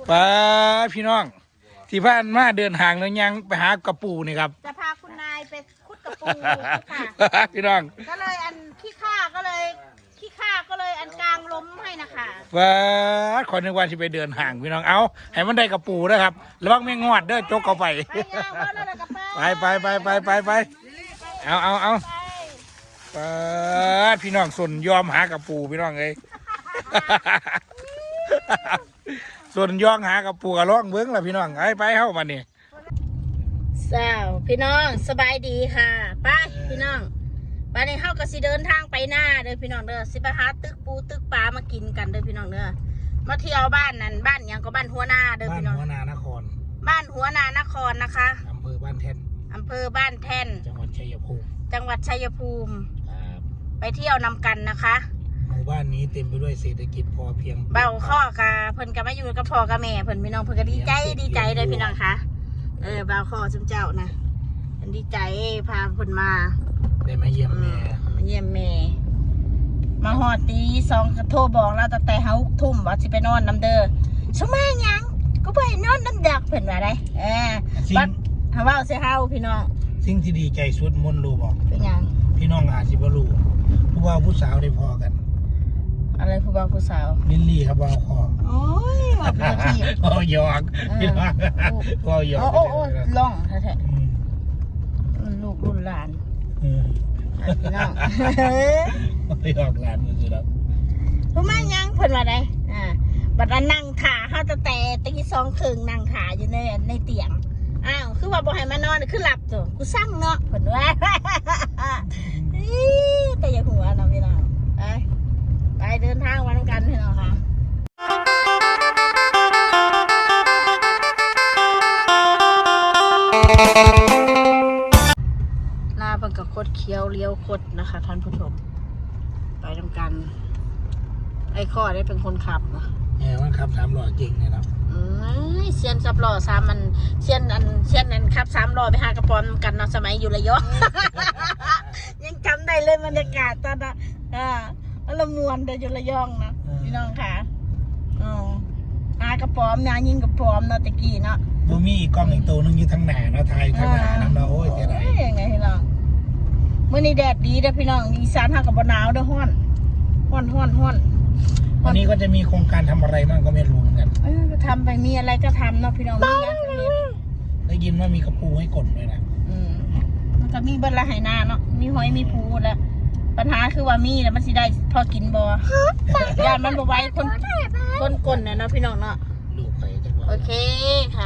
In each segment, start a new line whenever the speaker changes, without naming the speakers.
ป้าพี่น้องที่ผ่านมาเดินห่างแล้วยังไปหากระปูนี่ครับ
จะพาคุณนายไปขุดกระปูค่ะ
พี่น้อง
ก็เลยอันขี้ข้าก็เลยอันกลางล้มให้นะคะ
ป้าขอนึกว่าที่ไปเดินห่างพี่น้องเอาให้มันได้กระปูนะครับระวังแมงงอดเด้อจกเอาไปไปเอาพี่น้องส่วนยอมหากระปูพี่น้องเลยส่วนย่องหากระปูกระล่องเบิ้งล่ะพี่น้องไปเข้ามานี่
สาวพี่น้องสบายดีค่ะไปพี่น้องไปในเข้าก็สิเดินทางไปหน้าเด้อพี่น้องเด้อสิไปหาตึกปูตึกปลามากินกันเด้อพี่น้องเด้อมาเที่ยวบ้านนั้นบ้านยังก็บ้านหัวนาเด้อพี่น้อง
บ้านหัวนานคร
บ้านหัวนานครนะคะ
อำเภอบ้านแท่นจังหวัดชัยภูมิ
ไปเที่ยวนำกันนะคะ
หมู่บ้านนี้เต็มไปด้วยเศรษฐกิจพอเพียง
เบาข้อกะเพิ่นก็มาอยู่กับพ่อกับแม่เพิ่นพี่น้องเพิ่นก็ดีใจเลยพี่น้องคะเบาข้อจุ่มเจ้านะเพิ่นดีใจพาเพิ่นมา
ได้มาเยี่ยมแม่
มาหอดตี2ก็โทรบอกเราตั้งแต่6 ทุ่มว่าสิไปนอนน้ำเด้อสมาหยังก็ไปนอนน้ำดักเพิ่นว่าได้บัดหาว่าสิเฮาพี่น้อง
สิ่งที่ดีใจสุดมนรู้บอก
เป็นหยัง
พี่น้องอาจสิบ่รู้ผู้บ่าวผู้สาวได้พอกัน
อะไรผู้บ่าวผู้สาว
ลิลลี่ครับบ่าวคอ
โอ้ยว่าเป็นที่
หยอกพี่น้องก็หยอก
โอ้ล่องแท้ๆลูกรุ่นหลานพี่น้อง
หยอกหลานมันสิครับ
ผู้มายังเพิ่นว่าได้บัดนั้นนั่งขาเฮาตั้งแต่ตี 2 ครึ่งนั่งขาอยู่ในเตียงอ้าวคือว่าบ่ให้มานอนคือหลับจ้ะกูสั่งเนาะเพิ่นว่าแต่อย่าหัวเนาะพี่น้องไปเดินทางวันกันพี่น้องค่ะหน้าเป็นกับคดเคี้ยวเลี้ยวคดนะคะท่านผู้ชมไปทำกันไอ้ข้อได้เป็นคนขับนะ
มันขับ3 ล้อเก่งเลยครับ
เซียนขับล้อ3มันเซียนนั้นขับ3 ล้อไปหากระป๋อมกันเนาะสมัยอยู่ระยองยังจำได้เลยบรรยากาศตอนนั้นละมวนแต่อยู่ระยองนะพี่น้องค่ะหากระป๋อมนะยิงกระป๋อมเนาะตะกี้เนาะ
บ่มีกล้องอีกตัวนึงอยู่ทางหน้าเนาะถ่ายทางหน้านั่นเนาะโอ้ยเท่าไหร่
ยังไงพี่น้องมื้อนี้แดดดีเด้อพี่น้องอีสานเฮาก็บ่หนาวเด้อร้อน
วันนี้ก็จะมีโครงการทำอะไรบ้างก็ไม่รู้เหมือนกัน
ก็ทำไปมีอะไรก็ทำเนาะพี่น้อง
ได้ยินว่ามีกระปูให้กดด้วยนะ
มันก็มีเบิดละไหนาเนาะมีหอยมีปูแล้วปัญหาคือว่ามีแล้วมันสิได้พอกินบ่ยานมันบ่ไหวคนก้นเนาะพี่น้องเนาะโอเคค่ะ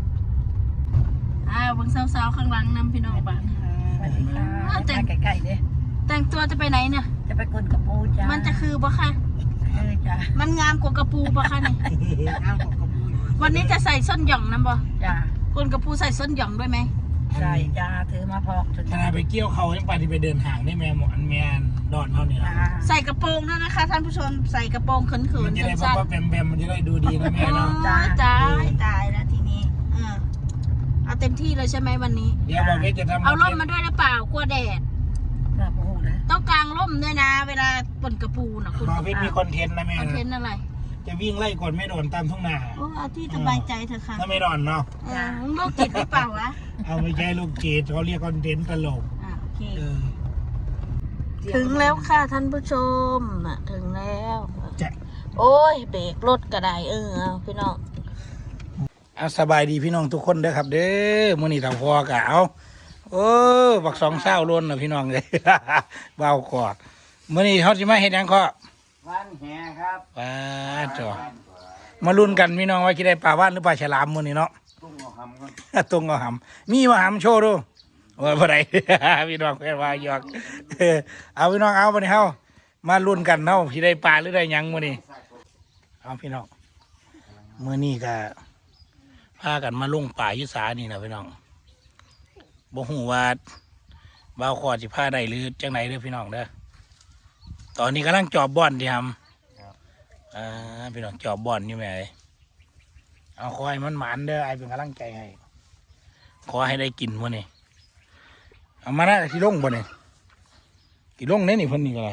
เบิ่งสาวๆข้างหลังนำพี่น้องบ้าน
สวัสดีค่ะแต่งไก่ๆเนี่ย
แต่งตัวจะไปไหนเนี่ย
จะไปกลกระปูจ้า
มันจะคือบ่ค่ะ
จ้า
มันงามกว่ากระปูบ่ค่ะเนี่ยวันนี้จะใส่ส้นหย่องนะบ่
จ้าก
ลกระปูใส่ส้นหย่องด้วยไหม
ใช่จ้าถือมาพอก
ขณะไปเกี่ยวเขายังไปที่ไปเดินห่างได้แม่หมอนแม่ดอนเท่านี้นะ
ใส่กระโปรงด้วยนะคะท่านผู้ชมใส่กระโปรงเขินๆ
มันจะได้เพราะแบมมันจะได้ดูดีนะแม่เนาะ
ตายแล้วทีนี้เอาเต็มที่เลยใช่ไหมวันนี้
เดี๋ยวบอกว่าจะทำ
เอาร่มมาด้วยหรือเปล่ากลัวแดดต้องกางร่มด้วยนะเวลาปนกระปูนะ
คุณพี่มีคอนเทนต์นะแม่
คอนเทนต์อะไร
จะวิ่งไล่กดไม่โดนตามทุ่งนา
โอ้เอาที่สบายใจเถอะค่ะ
ถ้าไม่โดนเนาะ
โรคจิตหรือเปล่าวะ
เอาไม่ใช่ลูกจิตเขาเรียกคอนเทนต์ตลก
โอเคถึงแล้วค่ะท่านผู้ชมถึงแล้วโอ้ยเบรกรถก็ได้พี่น้อง
สบายดีพี่น้องทุกคนเด้อครับเด้อมื้อนี้ถ้าพอกะเอาบัก2 เศร้าล้นนะพี่น้องเลยเบากอดมื้อนี้เขาสิมาเฮ็ดหยังข้อ
วันแห่ครับ
จ่อมาลุ้นกันพี่น้องว่าสิได้ปลาว่านหรือปลาฉลามมื้อนี้เนาะ
ตุ้งเอาหำครับ
ตุ้งเอาหำมีมาหำโชว์ดูว่าบ่ได้พี่น้องแค่ว่าหยอกเอาพี่น้องเอาบัดนี้เฮามาลุ้นกันเนาะสิได้ปลาหรือได้หยังมื้อนี้เอาพี่น้องมื้อนี้ก็พากันมาลงป่ายุสานี่นะพี่น้องบ่ฮู้ว่าบ่าวขอสิพาได้หรือจังไหนเด้อพี่น้องเด้อตอนนี้กำลังจอบบ่อนที่ทำพี่น้องจอบบ่อนอยู่แม่เอาขอให้มันหมานเด้อไอเป็นกำลังใจให้ขอให้ได้กินมื้อนี้เอามานะที่ลงบ่เนี่ยที่ลงเนี่ยนี่เพิ่นนี่อะไร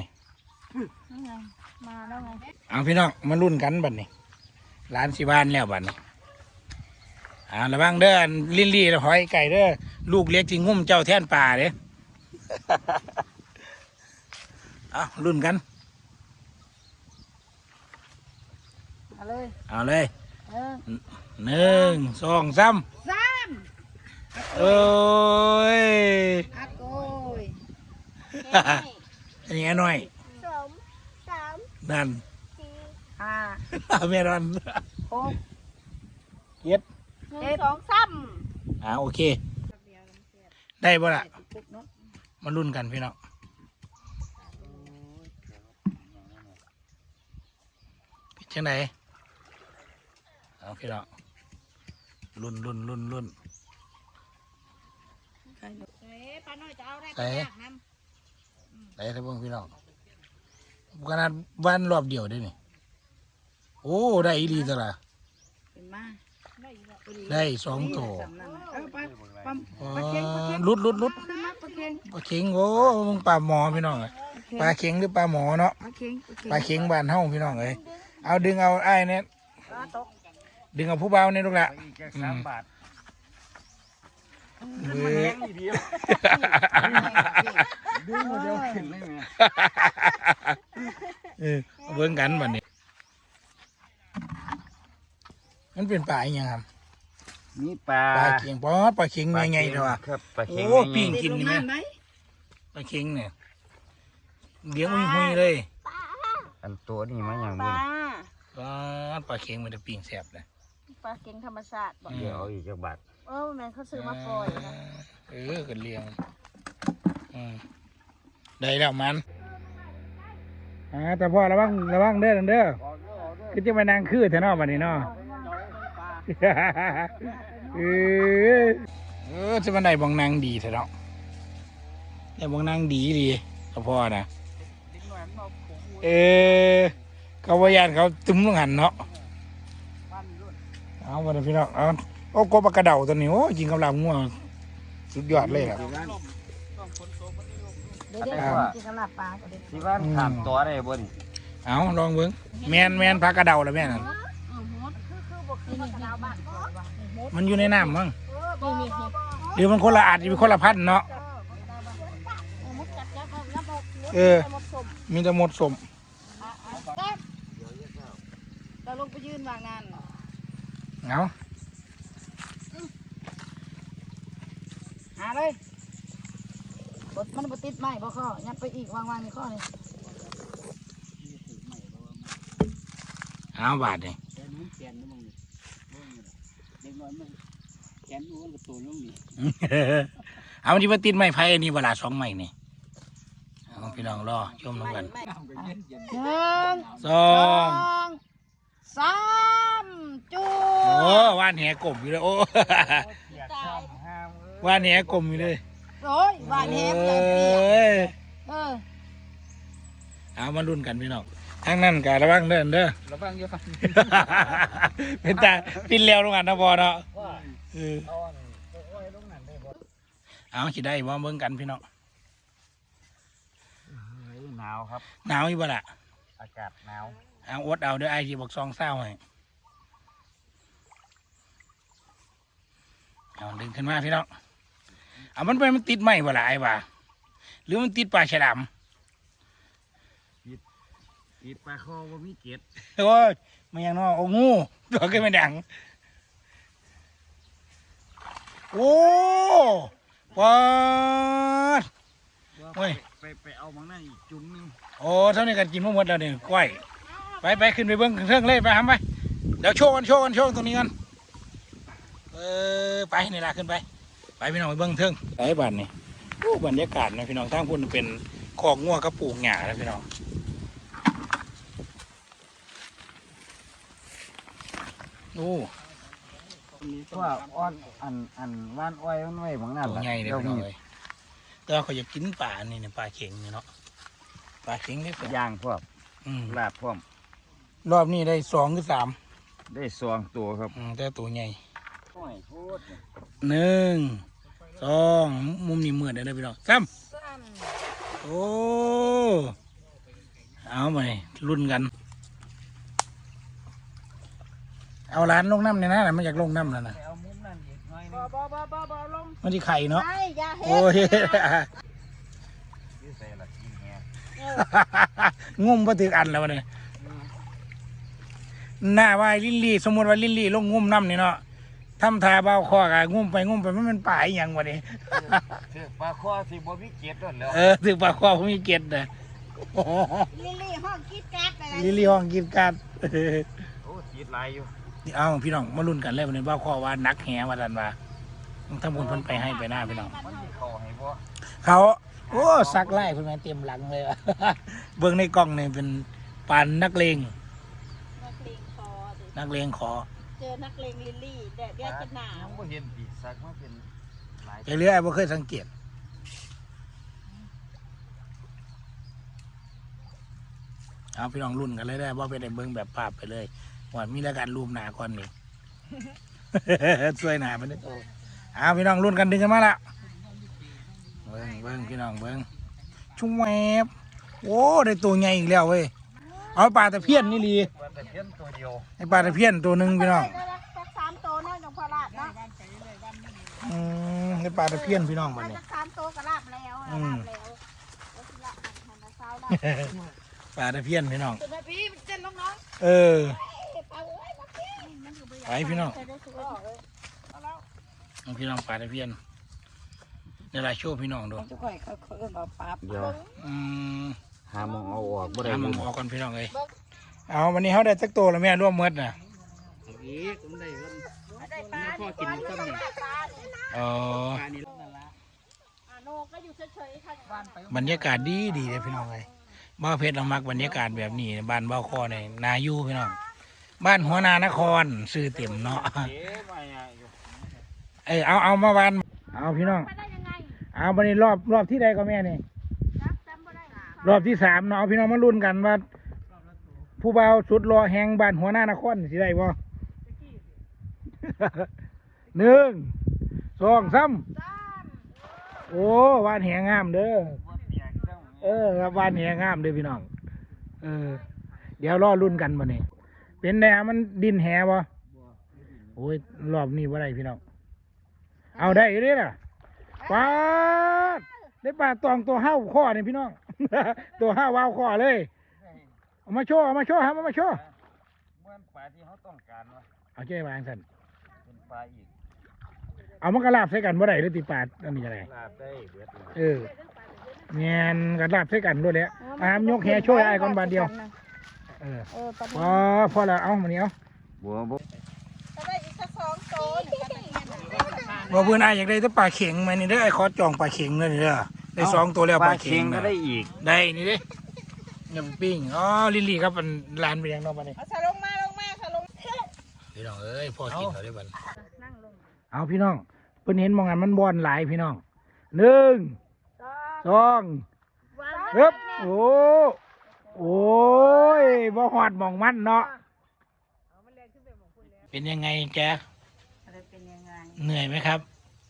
มาแล้วไง
เอาพี่น้องมาลุ้นกันบัดนี้ร้านสิบ้านแล้วบัดนี้ระวังเด้อลิลลี่หอยไก่เด้อลูกเล็กจริงงุ่มเจ้าแท่นป่าเด้ เอารุ่นกัน
เอาเลย
เอาเลย
เออ
1 2 3
สาม
โอ้ย
อาโกย
อันนี้หน่อย
สองสาม
นั่น
สี่
ห้า
เมรอน
หก
เย็ด
หนึ่งสองสาม
โอเค ได้บ่ล่ะมารุ่นกันพี่น้องเป็นจังไหนเอาพี่น้องรุ่น
ปลาน้อยจะเอาได้
ใส่
ยากน้
ได้ทั้งพวกพี่น้องขนาดวันรอบเดียวได้นี่โอ้ได้อีหลีตละ
ำเป็นมา
ได้2 ตัว
สำนั่นน่ะเออปลาปลา
อ๋อ
ปลาเค็งปลาเค็ง
ลุด
ขึ้นมาปลาเค็ง
ปลาเข็งโอ้มึงปลาหมอพี่น้องเอ้ยปลาเข็งหรือปลาหมอเนาะ
ปลาเค็ง
ปลาเข็งบ้านเฮาพี่น้องเอ้ยเอาดึงเอาไอ้เนี่ย
ปลาตก
ดึงเอาผู้เบาเนี่ยลูกละ
อีกแค่3 บาท
เว้ย
เดียวดึงเดียวขึ้นเลยแม่
เบิ่งกันบัดนี้มันเป็นปลาอีหยังครับ
มีปลา
ปลาเข็งปลาเข็งใหญ่ๆเด้อว่ะ
ครับปลาเข็ง
โอ้ปิ้ง
ติดลงน้ำไหม
ปลาเข็งเนี่ยเลี้ยงหุ้ยๆเลย
อันตัวนี้มันอย่าง
ป
บุญ
ลา
ปลาเข็งมันจะปิ้งแซ่บเลย
ปลาเค็งธรรมชาติบอก
เดี๋ยวเอาอีกจักบาท
แม่เขาซื้อมาปล่อยนะ
กันเลี้ยงได้แล้วมันแต่พ่อระวังเด้อเด้อคือจะมานั่งคือแถวนอกบัดนี้เนาะ จะมาได้บองนางดีแถวเนาะได้บองนางดีกับพ่อนะเขาว่ายานเขาตุ้มลงหันเนาะเอาวันนี้พี่น้องเอาโอ้กบกระเดาตัวนี้โอ้ยิงกำลังง่วงสุดยอดเลยครับ
เดี๋ยวกินสลับปลาก็ได้
ที่บ้านถามตัวได้บ่นี่
เอาลองเบิ้งแมนพักกระเดาแล้วแม่นั่น มันอยู่ในน้ำมั้งหรือมันคนละอาจจะเป็นคนละพันธุ์เนาะมีแต่หมดสม
เราลงไปยืนวางนั่น
เอา
หาเลยบดมันบดติดไหมบ่ข้อยัดไปอีกวางในข้อนี่
เอาบาทเลยเอามันจะมาติดไม้ไผ่อันนี้เวลา2 ไม้นี่เอาพี่น้องรอชมน้ำกัน
1
สอง
2 3จู
โอ้ว่านแหกลมอยู่เลยโอ้ ว่านแหกลมอยู่เลย
โอ้ยหวานแฮมอย่าง
เอ
เปียก้
ย เอามาลุ้นกันพี่น้องทั้งนั้นกะระวังเด้อ
ระวังอยู่ครับ
เป็นตาปินเลี้ยวลงกันนะบอเนาะเอาสิได้ว่าเบิ่งกันพี่น้อง
หนาวครับ
หนาวอยู่บ่ล่ะ
อากาศหนาว
เอาอดเอาเด้อไอ้ที่บอก2 เศร้าให้เอาดึงขึ้นมาพี่น้องเอามันไปมันติดไหมบ่ล่ะไอ้บ่าหรือมันติดปลาฉลาม
อีปลาคอว่ามีเกล็ด
โอ้ยมันยังน้อโอ้งูตัวก็ไม่ดังโอ้ปอด โอ้ย
ไปเอามังนั่นอีกจุ่มนึง
โอ้เท่านี้กันกินมาหมดแล้วเนี่ยกล้วยไปขึ้นไปเบิ้งเครื่องเลยไปทำไปเดี๋ยวโชว์กันตรงนี้กันไปนี่ละขึ้นไปพี่น้องไปเบิ้งเทิงไอ้บ้านนี่โอ้บรรยากาศนะพี่น้องทั้งพุ่นเป็นคอกงัวกระปูกหญ้าแล้วพี่น้องโอ้
ว่าอ้อนอันว่านอ้อยมันไว้บางนั่น
ตัวใหญ่เลยพี่น้องเลยแต่ว่าเขาอยากกินปลานี่เนี่ยปลาเข็งนี่เนาะปลาเข็งได้เปล่า
ย่างพวก ลาบพร้อม
รอบนี้ได้2 หรือ 3
ได้2 ตัวครับ
แต่ตัวใหญ่
โอ้ยโคตร
1 2มุมนี้มืดเลยพี่น้อง3โอ้เอาไปรุ่นกัน เอาร้านลงน้ำเนี่ยนะมันอยากลงน้ำแล้วนะ
เอามุมนั้น
บ่ลง
มันที่ไข่เนาะ
ใช่อย่าเฮ็
โอ้ย
ยืดใส่ละกินแฮ
งุ่มบ่ถึกอันแล้วเนี่ยหน้าว่าลิลลี่สมมติว่าลิลลี่ลงงุ่มน้ำนี่เนาะทำทาเบาคอกะงุ่มไปมันเป็นป่าอีหยังวะนี่
ถือปลาคอสิบ่มีเกล็ดนั่นแหล้ว
ถึงป่าคอผมมีเกล็ดนะ
ลิลลี่ห้องคิดแก๊สอะไร
ลิลลี่ห้องกินกัด
โอ้ติดลายอยู่
นี่เอาพี่น้องมาลุ้นกันเลยวันนี้เบาคอว่านักแหว่าดันว่าต้องทำบุญเพิ่นไปให้ไปหน้าพี่น้อง
มันสิเข้าให้บ่
เขาโอ้ซักไล่เพิ่นมาเต็มหลังเลยว่ะ เบิ่งในกล้องนี่เป็นปานนักเลง
นักเลงคอดิ
นักเลงขอ
เจอนักเลงลิลลี่แดดจะหนาว
บ่เห็นปีสักมาเป็นหลาย
ไอ้เรื่องไอ้บ่เคยสังเกตเอาพี่น้องรุ่นกันเลยได้ว่าไปได้เบิ่งแบบภาพไปเลยว่ามีรายการรูปหนาก่อนนี่ ช่วยหนามันได้โตเอาพี่น้องรุ่นกันดึงกันมาละเบิ่งพี่น้องเบิ่งชุ่มแวบโอ้ได้ตัวใหญ่อีกแล้วเว้ยเอาปลาตะเพียนนี่ลี
ว่าแต่เพี้ยนตัวเดียว
ไอ้ปลาตะเพียนตัวหนึ่งพี่น้อง
สัก3 ตัวเนาะจังพอลาดเนาะ
ไอ้ปลาตะเพียนพี่น้องมัน
มา
นี่
สัก3 ตัวก็ลาบแล้วลาบแล้วแล้วสิละหันมาเช้าลาบ
ปลาตะเพียนพี่น้อง
สุดท้ายพี่เต้นน้อง
เออ
ๆไปเอ้ยมาเต้นมันอยู่
ไปพี่น้อง
ใส่ได้สุดเลยเอาแล้ว
เอาพี่น้องปลาตะเพียนในรายโชว์พี่น้องดู
จะค่อยเขาเอิ้นว่าปั๊บ
เดี๋ยว
อืม
หามองเอาออกบ่ได้
หาหมองออกก่อนพี่น้องเลยเอาวันนี้เขาได้สักตัวแล้วแม่ร่วมเมดน่ะ
อีกผมได้เพิ่น
ได้ปลาพ่อกินซ้ำนี่ปลานี่นะ
อ๋อ
ปลานี่นั่นละ
โนก็อยู่เฉยๆค่ะบ้านไป
บรรยากาศดีเลยพี่น้องเลยบ้าวเพชรเรามักบรรยากาศแบบนี้บ้านบ้าวคอเนี่ยนายูพี่น้องบ้านหัวนานครซื้อเต็มเนาะ
เอ๊ะมาอยู่
เอามาบ้านเอาพี่น้อง
ไปได้ยังไง
เอาวันนี้รอบที่ใดก็แม่นี่
จำไม่ได้
รอบที่ 3เนาะเอาพี่น้องมาลุ้นกันว่าผู้บ่าวสุดรอแห่งบ้านหัวนานครสิได้บ่ 1 2 3โอ้บ้านแหงงามเด้อ
บ่เปียกจัง
ครับบ้านแหงงามเด้อพี่น้องเดี๋ยวรอรุ่นกันบ่นี่เป็นแนวมันดินแหบ่โอ้ยรอบนี้บ่ได้พี่น้องเอาได้อยู่เด้อน่ะปาดได้ปลาตองตัวห้าวข้อนี่พี่น้อง ตัวห้าววาวข้อเลยเอามาโชว์ครับเอามาโชว์
บ่เป็นปลาที่เขาต้องการวะ
เอาเจ้วางสั่น
เป็นปลาอีก
เอามากระลาบใส่กันบ่ได้หรือติปาดอันนี้อะไร
ลาบได้เบิดเลย
เงียนกระลาบใส่กันด้วยแหละอามยกแฮช่วยไอ้ก่อนบาทเดียว
ตอน
พอแล้วเอามาเนี้ย
บัวบ่
จะได้อีกสัก2 ตัวหนึ่งกัน
ว่าเพื่อนไอ้อยากได้แต่ปลาเข็งไหมนี่เด้อไอ้ขอจองปลาเข็งเลยนี่เด้อได้2 ตัวแล้วปลาเข็ง
ก็
นะ
ได้อีก
ได้นี่เด้ยำปิ้งอ๋อลิลลี่ครับมันร้านไปยังนอกมาเนี่ย
เอาสลงมาสลง
พี่น้องเอ้ยพอกินเขาได้บัน
นั่งลง
เอาพี่น้องเพิ่นเห็นมองกันมันบอลหลายพี่น้อง1 2ฮึบโอ้ยบ่หอดมองมันเนาะเป็นยังไงแก
อะไรเป็นยังไง
เหนื่อยไหมครับ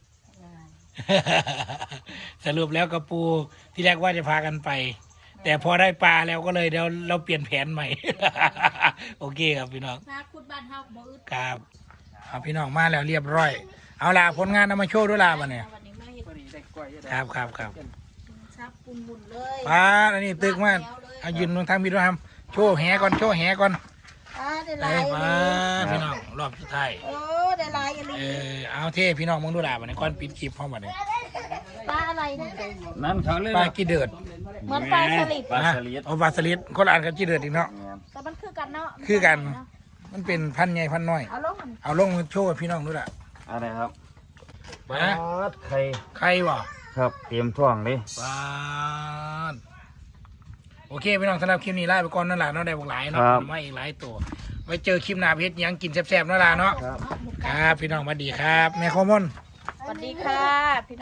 สรุปแล้วกระปูที่แรกว่าจะพากันไป แต่พอได้ปลาแล้วก็เลยเดี๋ยวเราเปลี่ยนแผนใหม่ โอเคครับพี่น้อง
นาคุดบ้านเฮาบ่อึด
ครับเอาพี่น้องมาแล้วเรียบร้อย เอาล่ะผลงานเอามาโชว์ด้วยล่ะบัดเนี่ย
วันนี้มาเฮ็ด
ครับ
ซับปุ่นๆเลย
ปลาอันนี้ตึกมากเอายืนตรงทางพี่ด้วยครับโชว์แหก่อน
ได้ห
ไป
ลาย
มาพี่น้องรอบสุดท้าย
โอ้ได้หลายอันนี้
เอาเท่พี่น้องมึงดูล่ะบัดนี้ก่อนปิดคลิปพร้อมบัดนี้
ปลาอะไรนะ
นั่นเขาเลย
ปลากี่เดือด
เหมือนปลาสลิด
ปลาสลิด
เอาปลาสลิดคนละอันกับกี่เดือดอีกเนาะ
แต่มันคือกันเนาะ
คือกัน มันเป็นพันใหญ่พันน้อย
เอาลงมัน
เอาลงโชว์ให้พี่น้องดูล่ะ
อะไรครับปลา
นะ
ไข่
ใครวะ
ครับเตรียมท่วงเลย
ปาดโอเคพี่น้องสำหรับคลิปนี้ไล่ไปก่อนนั่นแหละเนาะได้บอกหลายเนาะมาอีกหลายตัวไว้เจอคลิปหน้าเพชรยังกินแซ่บๆนั่นแหละเนาะ
ครับ
ครับพี่น้องสวัสดีครับ แม่โคมอน
สวัสดีค่ะ